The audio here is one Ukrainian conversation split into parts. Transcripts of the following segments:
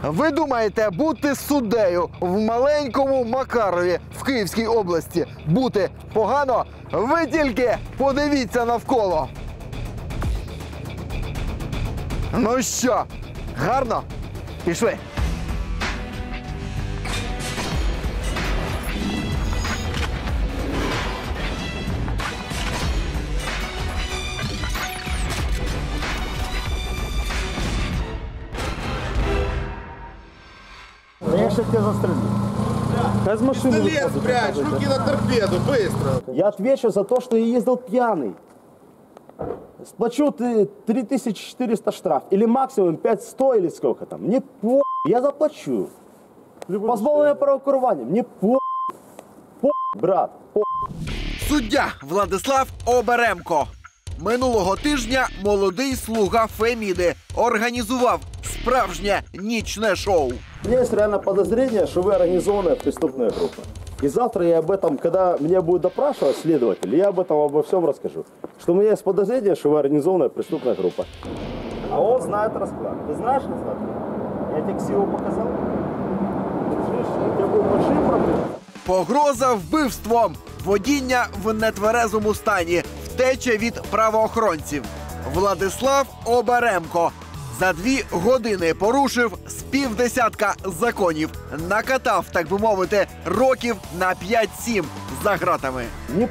Ви думаєте, бути суддею в маленькому Макарові в Київській області бути погано? Ви тільки подивіться навколо. Ну що, гарно? Пішли. Я сейчас тебя застрелю. Без машины. Пистолет спрячь, руки на торпеду, быстро. Я отвечу за то, что я ездил пьяный. Сплачу ты 3400 штраф. Или максимум 5100 или сколько там. Мне по... Я заплачу. Позбавлення права керування. Мне по... брат. По... Суддя Владислав Оберемко. Минулого тижня молодий слуга Феміди організував справжнє нічне шоу. У меня есть реально подозрение, что вы организованная преступная группа. И завтра я об этом, когда меня будет допрашивать следователь, я об этом обо всем расскажу. Что у меня есть подозрение, что вы организованная преступная группа. А он знает расклад. Ты знаешь расклад? Я тебе ксиву показал. У тебя будут большие проблемы. Погроза вбивством, водіння в нетверезому стані, втеча від правоохоронців. Владислав Оберемко за 2 години порушив з півдесятка законів. Накатав, так би мовити, років на 5-7 за ґратами. Не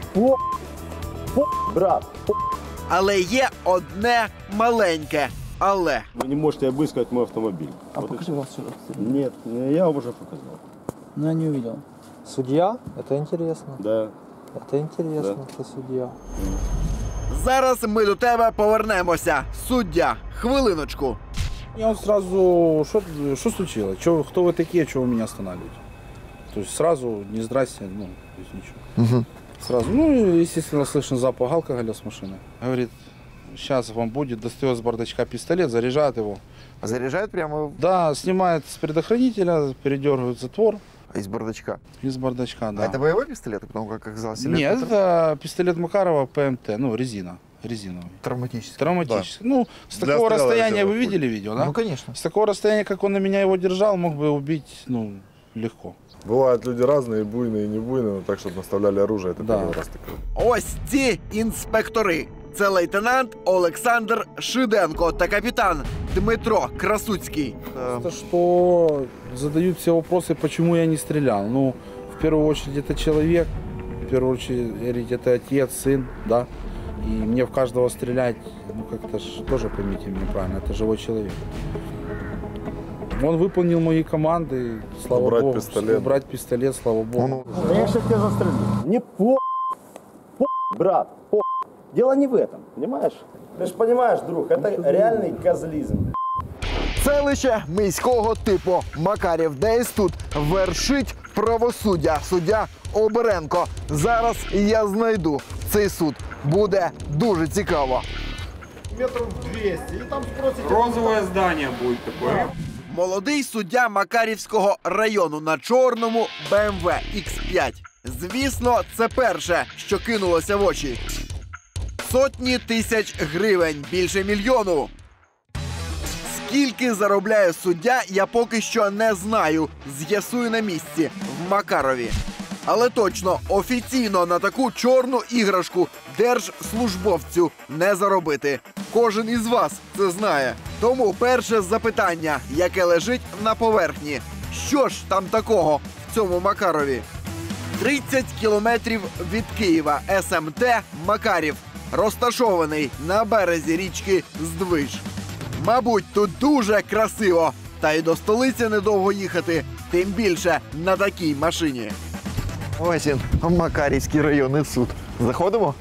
брат. Але є одне маленьке але. Вы не можете обыскивать мой автомобиль. А вот покажи вас сюда. Нет, я уже показал. Но я не увидел. Судья? Это интересно. Да. Это интересно, что судья. Зараз ми до тебе повернемося. Суддя, хвилиночку. Я вот сразу, что случилось? Кто вы такие, чего вы меня останавливаете? То есть сразу, не здрасте, ну, то есть ничего. Сразу, ну, естественно, слышно запах алкоголя с машины. Говорит, сейчас вам будет, достает с бардачка пистолет, заряжает его. А заряджають прямо Да, снимает с предохранителя, передергивает затвор із бардачка. из бардачка, да. А это боевой пистолет, потому как оказалось? Или Нет, это пистолет Макарова ПМТ, ну, резиновый. травматический. Травматический. Ну, с Для такого стрела расстояния сделать вы видели видео, да? Ну, конечно. С такого расстояния, как он на меня его держал, мог бы убить, ну, легко. Бывают люди разные, буйные и не буйные, но так, чтобы наставляли оружие, это Да. первый раз такое. Ось ці інспектори. Це лейтенант Олександр Шиденко та капітан Дмитро Красуцький. То, что задают все вопросы, почему я не стрелял. Ну, в первую очередь, это человек, в первую очередь, это отец, сын, да. И мне в каждого стрелять, ну, как-то ж тоже, поймите меня правильно, это живой человек. Он выполнил мои команды, слава Убрать богу. пистолет. Убрать пистолет, слава богу. Я сейчас тебя застрелю. Не брат. Дело не в этом, понимаешь? Ты же понимаешь, друг, это реальный козлизм. Селище міського типу Макарів. Десь тут вершить правосуддя. Суддя Оберемко. Зараз я знайду цей суд. Буде дуже цікаво. Метров 200. И там спросите... Розовое здание будет такое. Молодий суддя Макарівського району на чорному BMW X5. Звісно, це перше, що кинулося в очі. Сотні тисяч гривень, більше 1 мільйона. Скільки заробляє суддя, я поки що не знаю. З'ясую на місці, в Макарові. Але точно, офіційно на таку чорну іграшку держслужбовцю не заробити. Кожен із вас це знає. Тому перше запитання, яке лежить на поверхні. Що ж там такого в цьому Макарові? 30 кілометрів від Києва СМТ Макарів. Розташований на березі річки Здвиж. Мабуть, тут дуже красиво. Та й до столиці недовго їхати, тим більше на такій машині. Ось він, Макарівський районний суд. Заходимо?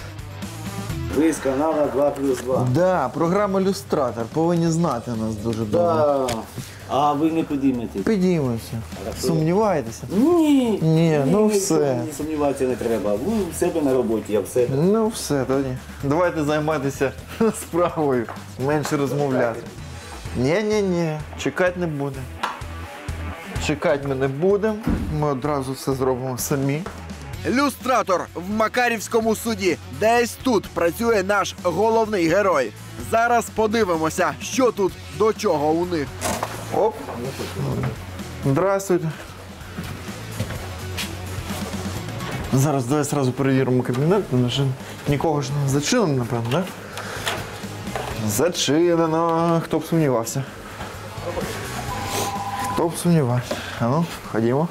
Вы из канала 2+2. Да, програма «Люстратор». Повинні знати нас дуже добре. Да. А ви не підіймете? Підіймемося. Сумніваєтеся? Ні. Ні, ну все. Не сумніватися не треба. Ви в себе на роботі, я в себе. Ну все, тоді. Давайте займатися справою. Менше розмовляти. Ні, чекати не будемо. Чекати ми не будемо. Ми одразу все зробимо самі. Люстратор в Макарівському суді. Десь тут працює наш головний герой. Зараз подивимося, що тут до чого у них. Оп. Здравствуйте. Зараз давай сразу перевіримо кабінет, тому що нікого ж не зачинено, напевно, так? Зачинено. Хто б сумнівався? Хто б сумнівався? А ну, ходімо.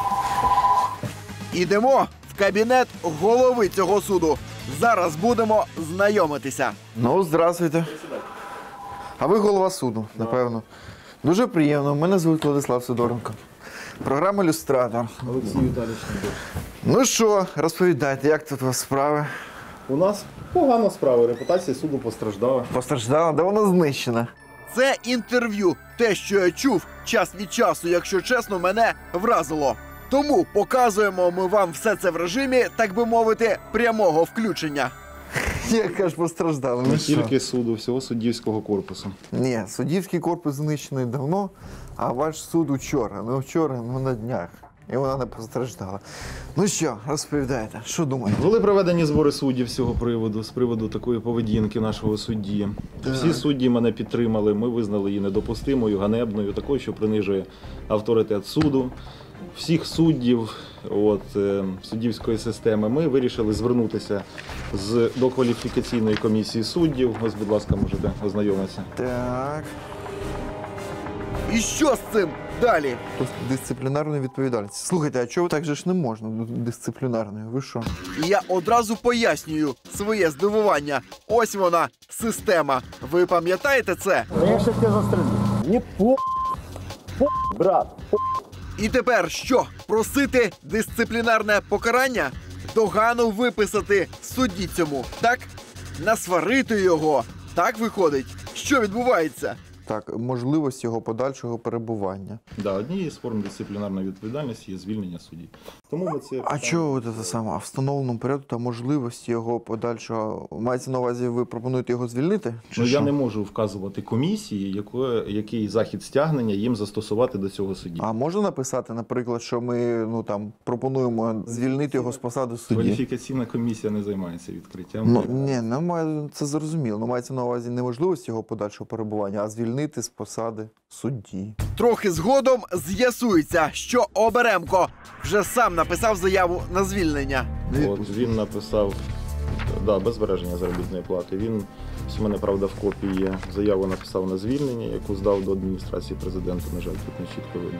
Ідемо в кабінет голови цього суду. Зараз будемо знайомитися. Ну, здравствуйте. А ви голова суду, напевно. Дуже приємно. Мене звуть Владислав Сидоренко. Програма «Люстратор». Олексій Віталійович. Ну що, розповідайте, як тут у вас справи? У нас погана справа, репутація суду постраждала. Постраждала? Да вона знищена. Це інтерв'ю. Те, що я чув, час від часу, якщо чесно, мене вразило. Тому показуємо ми вам все це в режимі, так би мовити, прямого включення. Яка ж постраждала? Не Ну що? тільки суду, всього суддівського корпусу. Ні, суддівський корпус знищений давно, а ваш суд учора. Не вчора, ну на днях. І вона не постраждала. Ну що, розповідайте, що думаєте? Були проведені збори суддів з цього приводу, з приводу такої поведінки нашого судді. Всі судді мене підтримали, ми визнали її недопустимою, ганебною, такою, що принижує авторитет суду. Всіх суддів суддівської системи ми вирішили звернутися до кваліфікаційної комісії суддів. Ось, будь ласка, можете ознайомитися. Так. І що з цим далі? Дисциплінарної відповідальності. Слухайте, а чого так же ж не можна дисциплінарної? Ви що? І я одразу пояснюю своє здивування. Ось вона, система. Ви пам'ятаєте це? Я ще тебе застрелю. Не брат. І тепер що? Просити дисциплінарне покарання? Догану виписати судді цьому, так? Насварити його. Так виходить? Що відбувається? Так, можливість його подальшого перебування. Да, однією з форм дисциплінарної відповідальності є звільнення судді. Тому ми це А чого це саме? А в встановленому порядку та можливості його подальшого. Мається на увазі, ви пропонуєте його звільнити? Чи я що? не можу вказувати комісії, який захід стягнення їм застосувати до цього судді. А можна написати, наприклад, що ми пропонуємо звільнити його з посади судді? Кваліфікаційна комісія не займається відкриттям. Ну, ні, це зрозуміло. Ну, мається на увазі не можливість його подальшого перебування, а звільнити з посади судді. Трохи згодом з'ясується, що Оберемко вже сам написав заяву на звільнення. Він написав без збереження заробітної плати. Він, у мене, правда, в копії є, заяву написав на звільнення, яку здав до адміністрації президента. На жаль, тут не чітко видно.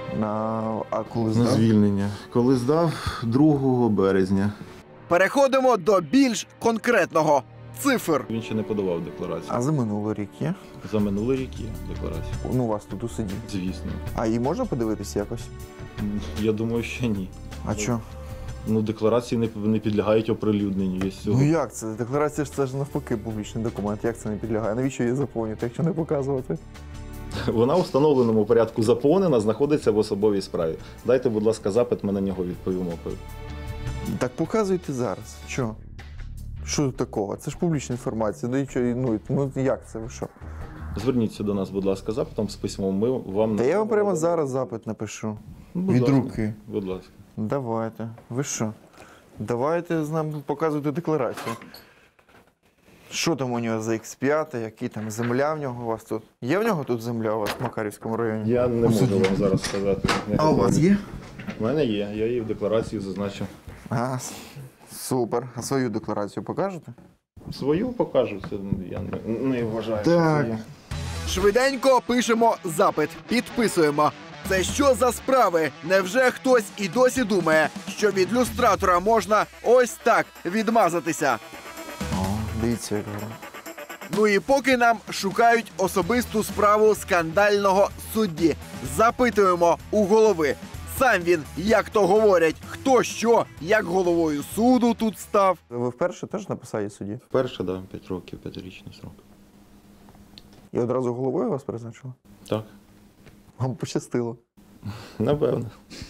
А коли На здав? звільнення. Коли здав 2 березня. Переходимо до більш конкретного. Цифр. Він ще не подавав декларацію. А за минулий рік є? За минулий рік є декларація. Ну, у вас тут у суді. Звісно. А її можна подивитися якось? Я думаю, що ні. А що? Ну, декларації не підлягають оприлюдненню. Є Ну як це? Декларація ж це ж навпаки публічний документ. Як це не підлягає? Навіщо її заповнювати, якщо не показувати? Вона у встановленому порядку заповнена, знаходиться в особовій справі. Дайте, будь ласка, запит, ми на нього відповімо. Так показуйте зараз. Що? Що тут такого? Це ж публічна інформація. Ну як це? Ви що? Зверніться до нас, будь ласка, запитом з письмом. Ми вам Та я вам прямо зараз запит напишу. Будь Від ласка. руки. Будь ласка. Давайте. Ви що? Давайте з нами показуйте декларацію. Що там у нього за X5, які там земля в нього у вас тут? Є в нього тут земля у вас в Макарівському районі? Я не можу вам зараз сказати. А у вас є? У мене є, я її в декларації зазначив. А, супер. А свою декларацію покажете? Свою покажу, це я не вважаю. Так. Що це є. Швиденько пишемо запит, підписуємо. Це що за справи? Невже хтось і досі думає, що від люстратора можна ось так відмазатися? О, дивіться, як гарно. Ну і поки нам шукають особисту справу скандального судді. Запитуємо у голови. Сам він, як то говорять, хто що, як головою суду тут став. Ви вперше теж на посаді судді? Вперше, да, 5 років, 5-річний срок. І одразу головою вас призначили? Так, Вам пощастило. напевно.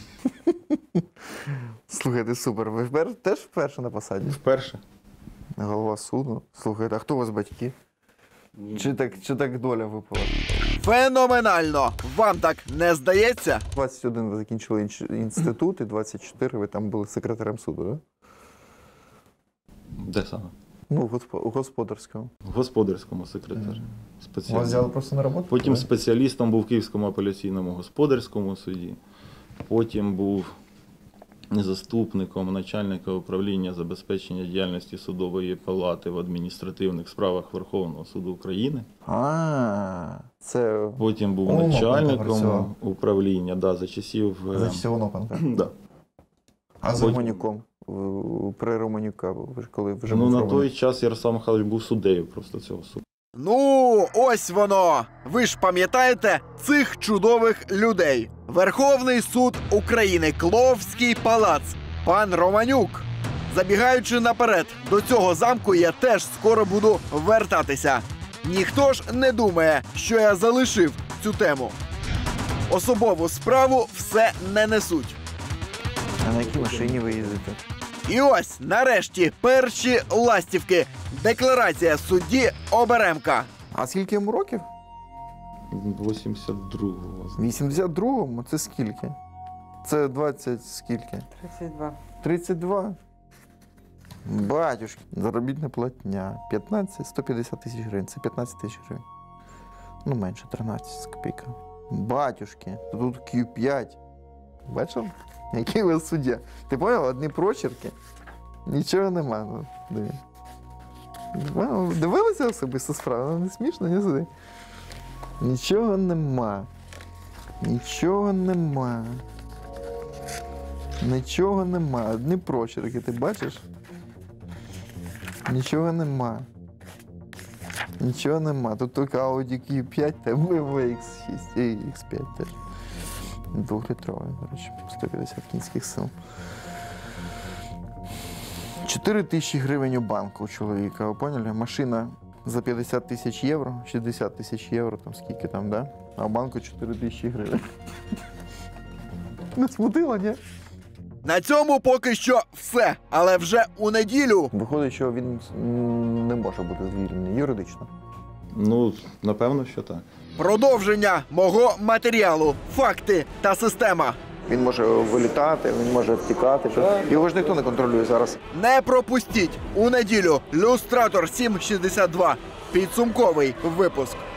Слухайте, супер. Ви теж вперше на посаді? Вперше. Голова суду. Слухайте, а хто у вас батьки? Чи так доля випала? Феноменально! Вам так не здається? 21 ви закінчили інститут, і 24 ви там були секретарем суду, так? Де саме? Ну, у господарському. Господарському секретарю. Вас взяли просто на роботу? Потім спеціалістом був в Київському апеляційному господарському суді. Потім був заступником начальника управління забезпечення діяльності судової палати в адміністративних справах Верховного суду України. Це Потім був Онопенко начальником працював. управління, да, за часів... за часів Онопенка. Да. А з Потім- Романюком? При Романюка, ви ж коли вже Ну, був на Романюк? той час Ярослав Михайлович був суддею просто цього суду. Ну, ось воно. Ви ж пам'ятаєте цих чудових людей. Верховний суд України, Кловський палац, пан Романюк. Забігаючи наперед, до цього замку я теж скоро буду вертатися. Ніхто ж не думає, що я залишив цю тему. Особову справу все не несуть. А на якій машині ви їздите? І ось, нарешті, перші ластівки. Декларація судді Оберемка. А скільки йому років? 82-го. В 82-му? Це скільки? Це 20 скільки? 32. 32? Батюшки, заробітна платня. 150 тисяч гривень. Це 15 тисяч гривень. Ну, менше, 13 з копійками. Батюшки, тут Q5. Бачив? Який ви суддя? Ти поняв? Одні прочерки. Нічого нема. Ну, диви. Ви дивилися особисто справу? Ну, не смішно, не сюди. Нічого нема. Нічого нема. Нічого нема. Одні прочерки, ти бачиш? Нічого нема. Нічого нема. Тут тільки Audi Q5 та BMW X6 і X5 теж. 2-літровий, до речі, 150 кінських сил. 4 тисячі гривень у банку у чоловіка, ви поняли? Машина за 50 тисяч євро, 60 тисяч євро, там скільки там, да? А в банку 4 тисячі гривень. Не смутило, ні? На цьому поки що все. Але вже у неділю Виходить, що він не може бути звільнений юридично. Ну, напевно, що так. продовження мого матеріалу, факти та система. Він може вилітати, він може втікати. Його ж ніхто не контролює зараз. Не пропустіть у неділю. Люстратор 762. Підсумковий випуск.